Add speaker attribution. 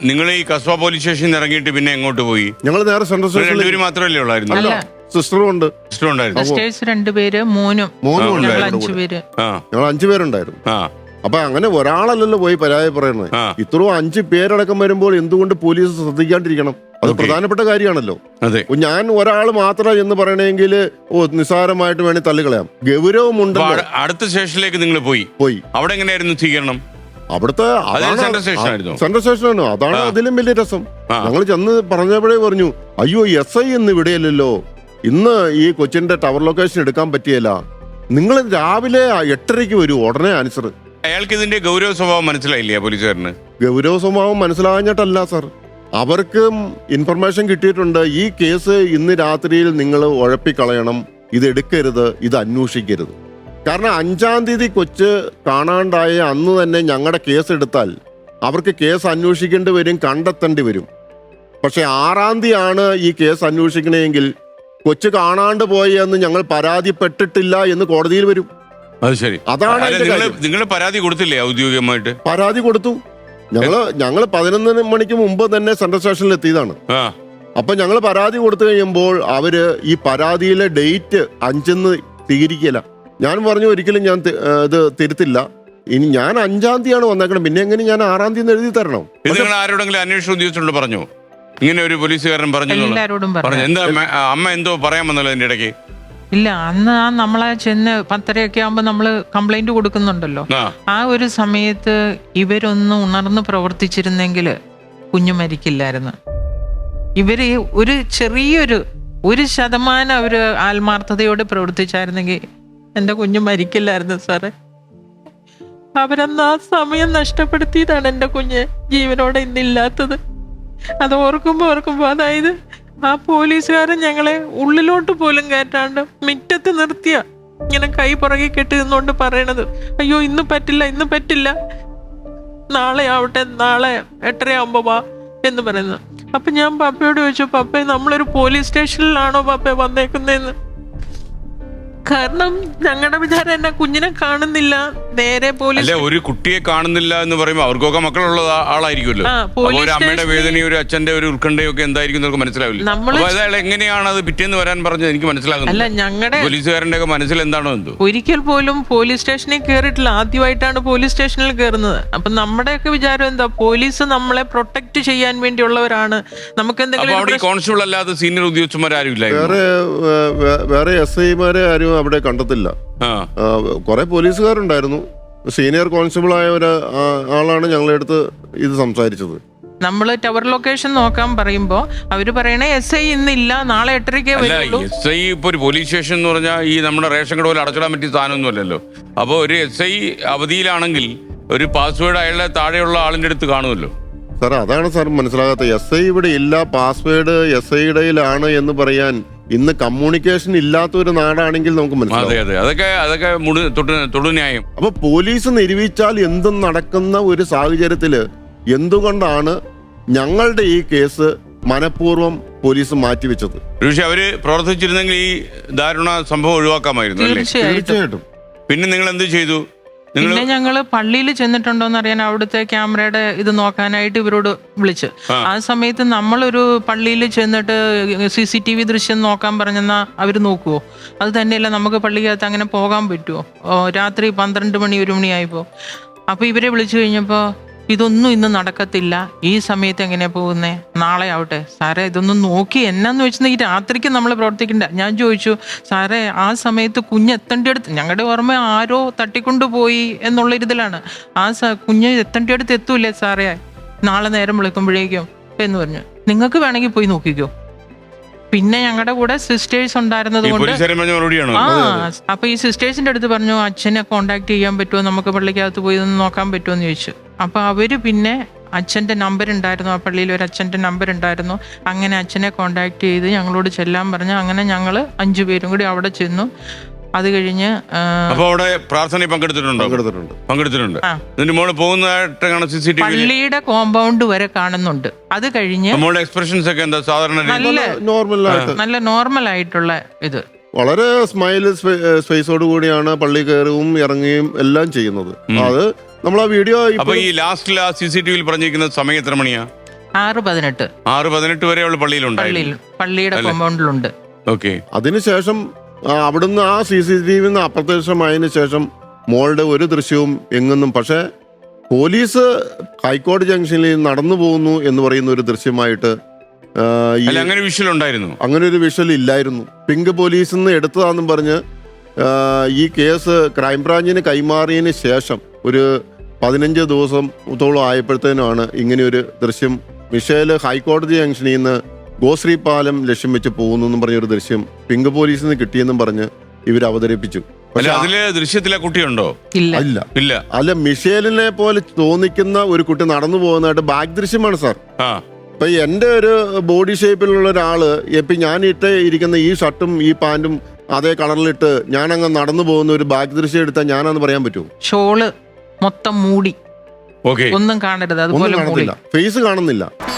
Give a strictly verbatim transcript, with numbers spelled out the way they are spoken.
Speaker 1: നിങ്ങൾ ഈ കസ്ബ പോലീസ് സ്റ്റേഷനിൽ ഇറങ്ങിയിട്ട് പിന്നെ എങ്ങോട്ട് പോയി?
Speaker 2: ഞങ്ങൾ നേരെ സെൻട്രൽ സ്റ്റേഷനിൽ
Speaker 1: രണ്ടുപേരും മാത്രമല്ലേ ഉള്ളായിരുന്നു?
Speaker 3: അല്ല,
Speaker 2: സിസ്റ്ററും ഉണ്ട്.
Speaker 1: സിസ്റ്റർ ഉണ്ടായിരുന്നു.
Speaker 3: സിസ്റ്റേഴ്സ് രണ്ടുപേര്, മോനും
Speaker 2: മോനും
Speaker 3: ഞങ്ങൾ
Speaker 2: ഉണ്ടായിരുന്നു
Speaker 3: അഞ്ചു
Speaker 2: കൂടെ.
Speaker 3: പേര്.
Speaker 1: ആ
Speaker 2: ഞങ്ങൾ അഞ്ചു പേരുണ്ടായിരുന്നു.
Speaker 1: ആ
Speaker 2: അപ്പൊ അങ്ങനെ ഒരാളല്ലല്ലോ പോയി പരാതി പറയുന്നത്.
Speaker 1: ആ.
Speaker 2: ഇത്രയും അഞ്ച് പേരടക്കം വരുമ്പോൾ എന്തുകൊണ്ട് പോലീസ് ശ്രദ്ധിക്കാണ്ടിരിക്കണം? അത്
Speaker 1: Okay.
Speaker 2: പ്രധാനപ്പെട്ട കാര്യമാണല്ലോ.
Speaker 1: അതെ.
Speaker 2: ഞാൻ ഒരാൾ മാത്രം എന്ന് പറയണമെങ്കിൽ ഓ നിസ്സാരമായിട്ട് വേണേൽ തള്ളിക്കളയാം. ഗൗരവമുണ്ടല്ലോ.
Speaker 1: അപ്പൊ അട- അടുത്ത സ്റ്റേഷനിലേക്ക് നിങ്ങൾ പോയി.
Speaker 2: പോയി
Speaker 1: അവിടെ എങ്ങനെയായിരുന്നു സ്വീകരണം?
Speaker 2: അവിടുത്തെ
Speaker 1: അത്
Speaker 2: അതാണ്
Speaker 1: സെൻട്രൽ സ്റ്റേഷൻ ആയിരുന്നു.
Speaker 2: സെൻട്രൽ സ്റ്റേഷനാണ്. അതാണ്
Speaker 1: ആ.
Speaker 2: അതിലും വലിയ രസം.
Speaker 1: ആ.
Speaker 2: ഞങ്ങൾ ചെന്ന് പറഞ്ഞപ്പോഴേ പറഞ്ഞു, അയ്യോ എസ് ഐ ഇന്ന് ഇവിടെയല്ലല്ലോ, ഇന്ന് ഈ കൊച്ചിന്റെ ടവർ ലൊക്കേഷൻ എടുക്കാൻ പറ്റിയല്ല, നിങ്ങൾ രാവിലെ എട്ടരയ്ക്ക് വരൂ, ഉടനെ ആൻസർ.
Speaker 1: അയാൾക്ക് ഇതിന്റെ ഗൗരവ സ്വഭാവം മനസ്സിലായില്ലേ പോലീസുകാരന്?
Speaker 2: ഗൗരവ സ്വഭാവം മനസ്സിലാഞ്ഞിട്ടല്ല സാർ, അവർക്കും ഇൻഫർമേഷൻ കിട്ടിയിട്ടുണ്ട്. ഈ കേസ് ഇന്ന് രാത്രിയിൽ നിങ്ങൾ ഉഴപ്പിക്കളയണം, ഇത് എടുക്കരുത്, ഇത് അന്വേഷിക്കരുത്. കാരണം അഞ്ചാം തീയതി കൊച്ച് കാണാണ്ടായ അന്ന് തന്നെ ഞങ്ങളുടെ കേസ് എടുത്താൽ അവർക്ക് കേസ് അന്വേഷിക്കേണ്ടി വരും, കണ്ടെത്തേണ്ടി വരും. പക്ഷെ ആറാം തീയതിയാണ് ഈ കേസ് അന്വേഷിക്കണമെങ്കിൽ കൊച്ചു കാണാണ്ട് പോയി എന്ന് ഞങ്ങൾ പരാതിപ്പെട്ടിട്ടില്ല എന്ന് കോടതിയിൽ വരും.
Speaker 1: അത് ശരി.
Speaker 2: അതാണ് അതിന്റെ
Speaker 1: നിങ്ങൾ
Speaker 2: കാര്യം.
Speaker 1: നിങ്ങൾ പരാതി കൊടുത്തില്ലേ ഔദ്യോഗികമായിട്ട്?
Speaker 2: പരാതി കൊടുത്തു. ഞങ്ങള് ഞങ്ങള് പതിനൊന്ന് മണിക്ക് മുമ്പ് തന്നെ സെൻട്രൽ സ്റ്റേഷനിൽ എത്തിയതാണ്.
Speaker 1: ആ
Speaker 2: അപ്പൊ ഞങ്ങൾ പരാതി കൊടുത്തു കഴിയുമ്പോൾ അവര് ഈ പരാതിയിലെ ഡേറ്റ് അഞ്ചെന്ന് സ്വീകരിക്കില്ല. ഞാൻ പറഞ്ഞു ഒരിക്കലും ഞാൻ തി- ഏ, ഇത് തിരുത്തില്ല, ഇനി ഞാൻ അഞ്ചാം തീയതിയാണ് വന്നേക്കണം, പിന്നെ എങ്ങനെ ഞാൻ ആറാം തീയതി എഴുതി തരണം?
Speaker 1: ഇത് നിങ്ങൾ ആരോടെങ്കിലും അന്വേഷണ ഉദ്യോഗസ്ഥരോട് പറഞ്ഞു ഇങ്ങനെ ഒരു പോലീസുകാരൻ പറഞ്ഞു എന്നുള്ളത്?
Speaker 3: എല്ലാരോടും
Speaker 1: പറഞ്ഞു.
Speaker 3: പറഞ്ഞു.
Speaker 1: എന്താ അമ്മ- അമ്മ എന്തോ പറയാൻ വന്നല്ലോ അതിന്റെ ഇടയ്ക്ക്?
Speaker 3: ഇല്ല, അന്ന് ആ നമ്മളെ ചെന്ന് പത്തരയൊക്കെ ആകുമ്പോ നമ്മള് കംപ്ലൈന്റ് കൊടുക്കുന്നുണ്ടല്ലോ.
Speaker 1: ആ
Speaker 3: ആ ഒരു സമയത്ത് ഇവരൊന്ന് ഉണർന്ന് പ്രവർത്തിച്ചിരുന്നെങ്കിൽ കുഞ്ഞു മരിക്കില്ലായിരുന്നു. ഇവര് ഒരു ചെറിയൊരു ഒരു ശതമാനം അവര് ആത്മാർത്ഥതയോടെ പ്രവർത്തിച്ചായിരുന്നെങ്കിൽ എന്റെ കുഞ്ഞു മരിക്കില്ലായിരുന്നു സാറേ. അവരന്ന് ആ സമയം നഷ്ടപ്പെടുത്തിയതാണ് എന്റെ കുഞ്ഞ് ജീവനോടെ ഇന്നില്ലാത്തത്. അത് ഓർക്കുമ്പോ ഓർക്കുമ്പോ അതായത് ആ പോലീസുകാരൻ ഞങ്ങളെ ഉള്ളിലോട്ട് പോലും കയറ്റാണ്ട് മിറ്റത്ത് നിർത്തിയ ഇങ്ങനെ കൈ പുറകെ കെട്ടി നിന്നുകൊണ്ട് പറയണത്, അയ്യോ ഇന്ന് പറ്റില്ല, ഇന്ന് പറ്റില്ല, നാളെ ആവട്ടെ, നാളെ എട്ടരയാവുമ്പോ വാ എന്ന് പറയുന്നത്. അപ്പൊ ഞാൻ പപ്പയോട് ചോദിച്ചു, പപ്പ നമ്മളൊരു പോലീസ് സ്റ്റേഷനിലാണോ പപ്പ വന്നേക്കുന്നതെന്ന്. കാരണം ഞങ്ങളുടെ വിചാരം എന്നെ കുഞ്ഞിനെ കാണുന്നില്ല, നേരെ പോലീസ്
Speaker 1: അല്ല, ഒരു കുട്ടിയെ കാണുന്നില്ല എന്ന് പറയുമ്പോൾ അവർക്കൊക്കെ മക്കളുള്ള ആ- ആളായിരിക്കുമല്ലോ.
Speaker 3: ആ,
Speaker 1: അപ്പൊ
Speaker 3: പോലീസ്
Speaker 1: ഒരു അമ്മയുടെ
Speaker 3: സ്റ്റേഷനിൽ-
Speaker 1: വേദനയും ഒരു അച്ഛന്റെ ഒരു ഉത്കണ്ഠയും ഒക്കെ എന്തായിരിക്കും എന്നൊക്കെ മനസ്സിലാവില്ല.
Speaker 3: നമ്മള്
Speaker 1: അപ്പൊ അയാൾ എങ്ങനെയാണ് അത് പിറ്റേന്ന് വരാൻ പറഞ്ഞത് എനിക്ക്
Speaker 3: അല്ല,
Speaker 1: മനസ്സിലാകുന്നില്ല.
Speaker 3: ഞങ്ങളുടെ
Speaker 1: പോലീസുകാരന്റെ ഒക്കെ മനസ്സിൽ എന്താണോ എന്തോ.
Speaker 3: ഒരിക്കൽ പോലും പോലീസ് സ്റ്റേഷനിൽ കയറിയിട്ടില്ല, ആദ്യമായിട്ടാണ് പോലീസ് സ്റ്റേഷനിൽ കയറുന്നത്. അപ്പൊ നമ്മുടെയൊക്കെ വിചാരം എന്താ, പോലീസ് നമ്മളെ പ്രൊട്ടക്ട് ചെയ്യാൻ വേണ്ടിയുള്ളവരാണ്, നമുക്ക്
Speaker 1: അപ്പൊ
Speaker 3: എന്തെങ്കിലും
Speaker 1: അവിടെ ഈ കോൺസ്റ്റബിൾ അല്ലാതെ സീനിയർ ഉദ്യോഗസ്ഥന്മാരും ഇല്ലായിരുന്നു?
Speaker 2: വേറെ വേ- വേ- വേറെ എസ് ഐമാരെ ആരും അവിടെ കണ്ടെത്തില്ല.
Speaker 1: ആ
Speaker 2: കുറെ പോലീസുകാരുണ്ടായിരുന്നു. സീനിയർ കോൺസ്റ്റബിൾ ആയ ഒരു ആ, ആളാണ് ഞങ്ങളുടെ അടുത്ത് ഇത് സംസാരിച്ചത്.
Speaker 3: നമ്മള് ടവർ ലൊക്കേഷൻ നോക്കാൻ പറയുമ്പോ അവര് പറയണേ എസ് ഐ ഇന്നില്ല, നാളെ എട്ടരയ്ക്കേ
Speaker 1: അല്ല,
Speaker 3: വരുള്ളൂ.
Speaker 1: എസ് ഐ ഇപ്പൊ ഒരു പോലീസ് സ്റ്റേഷൻ എന്ന് പറഞ്ഞാൽ ഈ നമ്മുടെ റേഷൻ കട പോലെ അടച്ചിടാൻ പറ്റിയ സാധനമൊന്നും അല്ലല്ലോ. അപ്പോൾ ഒരു എസ് ഐ അവധിയിലാണെങ്കിൽ ഒരു പാസ്വേഡ് അയാളുടെ താഴെയുള്ള ആളിന്റെ അടുത്ത് കാണുമല്ലോ.
Speaker 2: സാർ അതാണ് സാർ മനസ്സിലാകാത്തത്. എസ് ഐ ഇവിടെ ഇല്ല, പാസ്വേഡ് എസ് ഐയുടെയിലാണ് എന്ന് പറയാൻ ഇന്ന് കമ്മ്യൂണിക്കേഷൻ ഇല്ലാത്ത ഒരു നാടാണെങ്കിൽ നമുക്ക്
Speaker 1: അതെ
Speaker 2: മനസ്സിലാവും.
Speaker 1: അതെ, അതൊക്കെ അതൊക്കെ മുടി തൊട്ട് തൊടുന്യായം.
Speaker 2: അപ്പൊ പോലീസ് നിരൂപിച്ചാൽ എന്തും നടക്കുന്ന ഒരു സാഹചര്യത്തില് എന്തുകൊണ്ടാണ് ഞങ്ങളുടെ ഈ കേസ് മനഃപൂർവ്വം പോലീസ് മാറ്റിവെച്ചത്?
Speaker 1: പക്ഷെ അവര് പ്രവർത്തിച്ചിരുന്നെങ്കിൽ ഈ ദാരുണ സംഭവം ഒഴിവാക്കാമായിരുന്നു അല്ലേ?
Speaker 3: തീർച്ചയായിട്ടും.
Speaker 2: തീർച്ചയായിട്ടും.
Speaker 1: പിന്നെ നിങ്ങൾ എന്ത് ചെയ്തു? നിങ്ങൾ
Speaker 3: പിന്നെ ഞങ്ങള് പള്ളിയിൽ ചെന്നിട്ടുണ്ടോന്ന് അറിയാൻ അവിടുത്തെ ക്യാമറയുടെ ഇത് നോക്കാനായിട്ട് ഇവരോട് വിളിച്ച്,
Speaker 1: ആ.
Speaker 3: ആ സമയത്ത് നമ്മളൊരു പള്ളിയിൽ ചെന്നിട്ട് സി സി ടി വി ദൃശ്യം നോക്കാൻ പറഞ്ഞെന്നാ അവര് നോക്കുവോ? അത് തന്നെയല്ല, നമുക്ക് പള്ളിക്കകത്ത് അങ്ങനെ പോകാൻ പറ്റുമോ? ഓ, രാത്രി പന്ത്രണ്ട് മണി ഒരു മണിയായപ്പോ അപ്പൊ ഇവരെ വിളിച്ചു കഴിഞ്ഞപ്പോ ഇതൊന്നും ഇന്ന് നടക്കത്തില്ല, ഈ സമയത്ത് എങ്ങനെയാ പോകുന്നേ, നാളെ ആവട്ടെ. സാറേ ഇതൊന്നും നോക്കി എന്നാന്ന് വെച്ചാൽ ഈ രാത്രിക്ക് നമ്മൾ പ്രവർത്തിക്കണ്ട. ഞാൻ ചോദിച്ചു, സാറേ ആ സമയത്ത് കുഞ്ഞ് എത്തേണ്ടിയടുത്ത്, ഞങ്ങളുടെ ഓർമ്മ ആരോ തട്ടിക്കൊണ്ടുപോയി എന്നുള്ള ഇതിലാണ്, ആ സ കുഞ്ഞ് എത്തേണ്ടിയടുത്ത് എത്തൂലേ സാറേ നാളെ നേരം വിളിക്കുമ്പോഴേക്കും എന്ന് പറഞ്ഞു. നിങ്ങൾക്ക് വേണമെങ്കിൽ പോയി നോക്കിക്കോ. പിന്നെ ഞങ്ങളുടെ കൂടെ സിസ്റ്റേഴ്സ് ഉണ്ടായിരുന്നത് കൊണ്ട്
Speaker 1: പോലീസുകാരൻ പറഞ്ഞ മറുപടിയാണോ?
Speaker 3: ആ അപ്പൊ ഈ സിസ്റ്റേഴ്സിന്റെ അടുത്ത് പറഞ്ഞു, അച്ഛനെ കോണ്ടാക്ട് ചെയ്യാൻ പറ്റുമോ, നമുക്ക് പള്ളിക്കകത്ത് പോയി ഒന്ന് നോക്കാൻ പറ്റുമോ എന്ന് ചോദിച്ചു. അപ്പൊ അവര് പിന്നെ അച്ഛന്റെ നമ്പർ ഉണ്ടായിരുന്നു, ആ പള്ളിയിൽ ഒരു അച്ഛന്റെ നമ്പർ ഉണ്ടായിരുന്നു, അങ്ങനെ അച്ഛനെ കോണ്ടാക്ട് ചെയ്ത് ഞങ്ങളോട് ചെല്ലാൻ പറഞ്ഞു. അങ്ങനെ ഞങ്ങള് അഞ്ചു പേരും കൂടി അവിടെ ചെന്നു. അത് കഴിഞ്ഞ്
Speaker 1: അപ്പൊ അവിടെ പ്രാർത്ഥനയിൽ പങ്കെടുത്തിട്ടുണ്ടോ?
Speaker 2: പങ്കെടുത്തിട്ടുണ്ട്.
Speaker 1: പങ്കെടുത്തിട്ടുണ്ട്.
Speaker 3: ആ.
Speaker 1: ഇതിന്റെ മോള് പോകുന്നതായിട്ടാണ് സി സി ടി വി.
Speaker 3: പള്ളിയുടെ കോമ്പൗണ്ട് വരെ കാണുന്നുണ്ട്. അത് കഴിഞ്ഞ്
Speaker 1: മോളുടെ എക്സ്പ്രഷൻസ് ഒക്കെ എന്താ സാധാരണ രീതി?
Speaker 3: നല്ല
Speaker 2: നോർമലായിട്ട്
Speaker 3: നല്ല നോർമൽ ആയിട്ടുള്ള ഇത്,
Speaker 2: വളരെ സ്മൈൽ സ്പേസോട് കൂടിയാണ് പള്ളി കയറുകയും ഇറങ്ങുകയും എല്ലാം ചെയ്യുന്നത്. അത് നമ്മൾ ആ വീഡിയോ
Speaker 1: അപ്പൊ ഈ ലാസ്റ്റിൽ ആ സി സി ടി വിയിൽ പറഞ്ഞിരിക്കുന്ന സമയം എത്ര മണിയാ?
Speaker 3: ആറ് പതിനെട്ട്
Speaker 1: ആറ് പതിനെട്ട് വരെ അവള്
Speaker 3: പള്ളിയിൽ
Speaker 1: പള്ളിയിലുണ്ടായിരുന്നു.
Speaker 3: പള്ളിയുടെ
Speaker 1: അല്ലേ?
Speaker 3: കോമ്പൗണ്ടിലുണ്ട്.
Speaker 1: ഓക്കെ.
Speaker 2: അതിനുശേഷം ആ, അവിടുന്ന് ആ സി സി ടി വിന്ന് അപ്രത്യക്ഷമായതിനു ശേഷം മോളുടെ ഒരു ദൃശ്യവും എങ്ങുന്നും, പക്ഷേ പോലീസ് ഹൈക്കോടതി ജംഗ്ഷനിൽ നടന്നു പോകുന്നു എന്ന് പറയുന്ന ഒരു ദൃശ്യമായിട്ട് ആ, ഈ
Speaker 1: അല്ല, അങ്ങനെ വിഷ്വൽ ഉണ്ടായിരുന്നു.
Speaker 2: അങ്ങനെ ഒരു വിഷ്വൽ ഇല്ലായിരുന്നു. പിങ്ക് പോലീസിൽ നിന്ന് എടുത്തതാണെന്നും പറഞ്ഞ് ആ, ഈ കേസ് ക്രൈംബ്രാഞ്ചിന് കൈമാറിയതിന് ശേഷം ഒരു പതിനഞ്ച് ദിവസത്തോളം ആയപ്പോഴത്തേനുമാണ് ഇങ്ങനെയൊരു ദൃശ്യം മിഷേൽ ഹൈക്കോടതി ജംഗ്ഷനിൽ നിന്ന് ഗോശ്രീ പാലം ലക്ഷ്യം വെച്ച് പോകുന്നു എന്നും പറഞ്ഞൊരു ദൃശ്യം പിങ്ക് പോലീസിൽ നിന്ന് കിട്ടിയെന്നും പറഞ്ഞ് ഇവർ അവതരിപ്പിച്ചു.
Speaker 1: അല്ല,
Speaker 2: പക്ഷെ
Speaker 1: അതില് ദൃശ്യത്തിലെ കുട്ടിയുണ്ടോ?
Speaker 3: ഇല്ല.
Speaker 2: അല്ല
Speaker 1: ഇല്ല.
Speaker 2: അല്ല മിഷേലിനെ പോലെ തോന്നിക്കുന്ന ഒരു കുട്ടി നടന്നു പോകുന്നതായിട്ട് ബാക്ക് ദൃശ്യമാണ് സാർ.
Speaker 1: ആ
Speaker 2: ഇപ്പൊ എൻ്റെ ഒരു ബോഡി ഷേപ്പിലുള്ള ഒരാള് ഇപ്പൊ ഞാൻ ഇട്ട് ഇരിക്കുന്ന ഈ ഷർട്ടും ഈ പാന്റും അതേ കളറിലിട്ട് ഞാൻ അങ്ങ് നടന്നു പോകുന്ന ഒരു ബാക്ക് ദൃശ്യം എടുത്താൽ ഞാനാന്ന് പറയാൻ പറ്റുമോ?
Speaker 3: ഷോള് മൊത്തം മൂടി,
Speaker 1: ഓക്കെ.
Speaker 3: ഒന്നും കാണരുത്,
Speaker 2: ഒന്നും
Speaker 3: അതുപോലെ മൂടി.
Speaker 2: കാണുന്നില്ല, ഫേസ് കാണുന്നില്ല.